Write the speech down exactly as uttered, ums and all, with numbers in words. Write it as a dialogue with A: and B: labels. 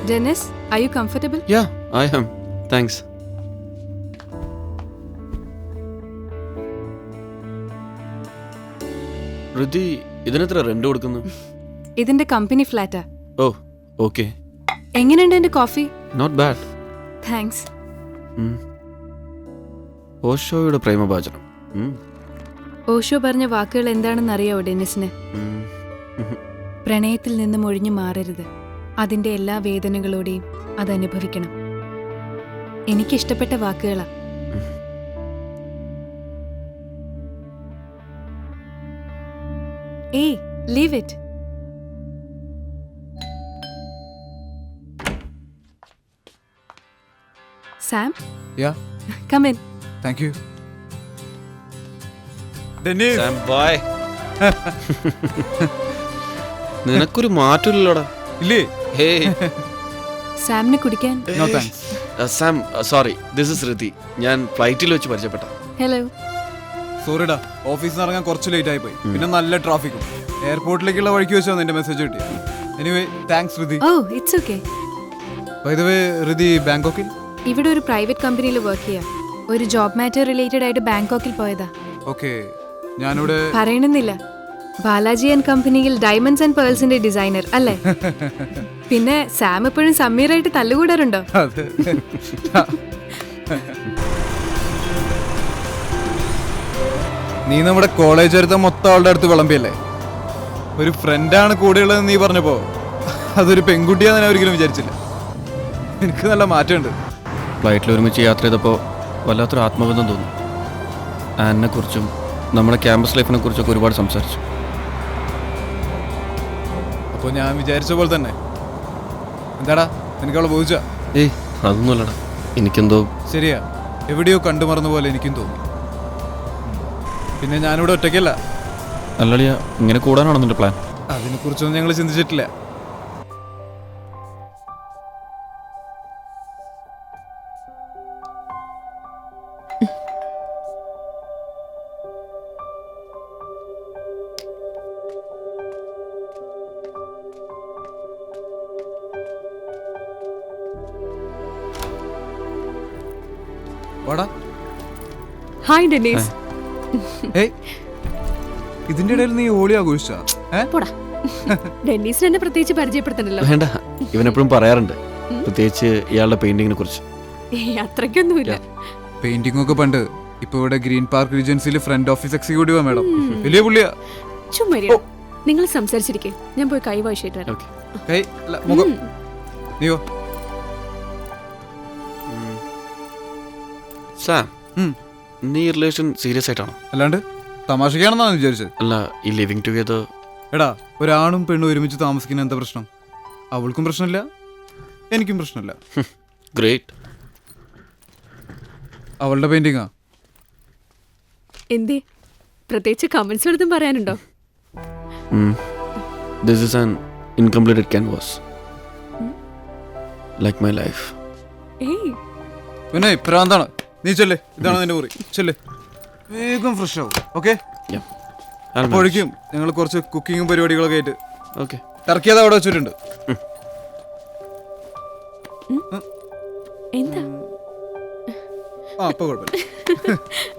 A: Dennis, are you comfortable?
B: Yeah, I am. Thanks. Rithi ഇതിനെത്ര rent കൊടുക്കുന്നു?
A: ഇതിന്റെ കമ്പനി ഫ്ലാറ്റാ.
B: Oh okay.
A: എങ്ങനെയുണ്ട് എന്റെ കോഫി?
B: Not bad.
A: താങ്ക്സ്.
B: ഓഷോയുടെ പ്രേമഭാചനം.
A: ഓഷോ പറഞ്ഞ വാക്കുകൾ എന്താണെന്ന് അറിയാവോ ഡെന്നിസിന്? പ്രണയത്തിൽ നിന്നും ഒഴിഞ്ഞു മാറരുത്. അതിന്റെ എല്ലാ വേദനകളോടെയും അത് അനുഭവിക്കണം. എനിക്കിഷ്ടപ്പെട്ട വാക്കുകളാ. ഏയ്, leave it. Sam?
C: Yeah.
A: Come in.
C: Thank you. Dennis.
B: Sam boy. നിനക്കൊരു മാറ്റമില്ലല്ലോടാ.
C: ഇല്ലേ?
B: ഹേയ്.
A: സാമിന് കുടിക്കാൻ?
C: No thanks.
B: Sam sorry, this is Rithi. ഞാൻ ഫ്ലൈറ്റിൽ വെച്ച് പരിചയപ്പെട്ട.
A: ഹലോ.
C: സോറിടാ, ഓഫീസിൽ നിന്ന് ഇറങ്ങാൻ കുറച്ച് ലേറ്റ് ആയി പോയി. പിന്നെ നല്ല ട്രാഫിക്കും. എയർപോർട്ടിലേക്കുള്ള വഴിക്ക് വെച്ചാണ് നിന്റെ മെസ്സേജ് കിട്ടി. Anyway thanks Rithi.
A: Oh it's okay.
C: By the way Rithi ബാങ്കോക്കിൽ?
A: ഇവിടെ ഒരു പ്രൈവറ്റ് കമ്പനിയിൽ വർക്ക് ചെയ്യാം. ഒരു ജോബ് മാറ്റർ റിലേറ്റഡ് ആയിട്ട് ബാങ്കോക്കിൽ പോയതാ.
C: ഓക്കെ. ഞാനിവിടെ
A: പറയണമെന്നില്ല. ബാലാജി ആൻഡ് കമ്പനിയിൽ ഡയമണ്ട്സ് ആൻഡ് പേൾസിന്റെ ഡിസൈനർ അല്ലേ? പിന്നെ സാം എപ്പോഴും സമീറായിട്ട് തല്ലുകൂടാറുണ്ടോ?
C: നീ നമ്മുടെ കോളേജ് അടുത്ത മൊത്തം ആളുടെ അടുത്ത് വിളമ്പിയല്ലേ? ഒരു ഫ്രണ്ടാണ് കൂടെയുള്ളതെന്ന് നീ പറഞ്ഞപ്പോ അതൊരു പെൺകുട്ടിയാന്ന് ഞാൻ ഒരിക്കലും വിചാരിച്ചില്ല. എനിക്ക് നല്ല മാറ്റമുണ്ട്.
B: ഫ്ലൈറ്റിൽ ഒരുമിച്ച് യാത്ര ചെയ്തപ്പോൾ വല്ലാത്തൊരു ആത്മബന്ധം തോന്നി. ആനിനെ കുറിച്ചും നമ്മുടെ ക്യാമ്പസ് ലൈഫിനെ കുറിച്ചൊക്കെ ഒരുപാട് സംസാരിച്ചു.
C: അപ്പോൾ ഞാൻ വിചാരിച്ച പോലെ തന്നെ. എന്താടാ എനിക്ക് അവളെ ബോധിച്ച?
B: ഏയ് അതൊന്നുമല്ലടാ, എനിക്കെന്തോ.
C: ശരിയാ, എവിടെയോ കണ്ടുമറന്ന പോലെ എനിക്കും തോന്നി. പിന്നെ ഞാനിവിടെ ഒറ്റയ്ക്കല്ല.
B: അല്ലളിയ, ഇങ്ങനെ കൂടാനാണോ നിന്റെ പ്ലാൻ?
C: അതിനെക്കുറിച്ചൊന്നും ഞങ്ങൾ ചിന്തിച്ചിട്ടില്ല.
A: Hi Dennis.
C: ഇതിന്റെ ഇടയിൽ നീ ഹോളി ആഘോഷിച്ചാ?
A: ഡെന്നീസിന് എന്നെ പ്രത്യേകിച്ച് പരിചയപ്പെടുത്തണ്ടല്ലോ.
B: വേണ്ട, ഇവനെപ്പോഴും പറയാറുണ്ട്, പ്രത്യേകിച്ച് ഇയാളുടെ പെയിന്റിങ്ങിനെ കുറിച്ച്.
A: അത്രയ്ക്കൊന്നുമില്ല.
C: പെയിന്റിംഗ് ഒക്കെ പണ്ട്. ഇപ്പൊ ഇവിടെ ഗ്രീൻ പാർക്ക് റീജൻസിൽ ഫ്രണ്ട് ഓഫീസ് എക്സിക്യൂട്ടീവ് മാഡം. വലിയ പുള്ളിയാ.
A: ചുമ്മാ നിങ്ങൾ സംസാരിച്ചിരിക്കേ, ഞാൻ പോയി കൈ വായിച്ചിട്ട് വരാം.
C: നീയോ?
B: സാം, നീ റിലേഷൻ സീരിയസ് ആയിട്ടാണോ?
C: അല്ലാണ്ട് തമാശക്കാണെന്നാണ് വിചാരിച്ചത്.
B: അല്ല, ഈ ലിവിങ് ടുഗദർ.
C: എടാ, ഒരാണും പെണ്ണും ഒരുമിച്ച് താമസിക്കുന്ന എന്താ പ്രശ്നം? അവൾക്കും പ്രശ്നമില്ല, എനിക്കും പ്രശ്നമില്ല.
B: ഗ്രേറ്റ്.
C: അവളുടെ പെയിന്റിങ്ങാ.
A: എന്തേ, പ്രത്യേകിച്ച് കമന്റ്സ് എടുത്തും പറയാനുണ്ടോ?
B: This is an incompleted canvas. Like my life.
A: ഏയ്
C: പിന്നെ പ്രാന്താണ്. നീ ചെല്ലേ, ഇതാണ് നിന്റെ മുറി. ചെല്ലേ, വേഗം ഫ്രഷ് ആവും. ഓക്കെ? അപ്പോഴേക്കും ഞങ്ങൾ കുറച്ച് കുക്കിങ്ങും പരിപാടികളൊക്കെ ആയിട്ട്.
B: ഓക്കെ.
C: ടർക്കി അത് അവിടെ വെച്ചിട്ടുണ്ട്.
A: എന്താ?
C: ആ, അപ്പൊ കുഴപ്പമില്ല.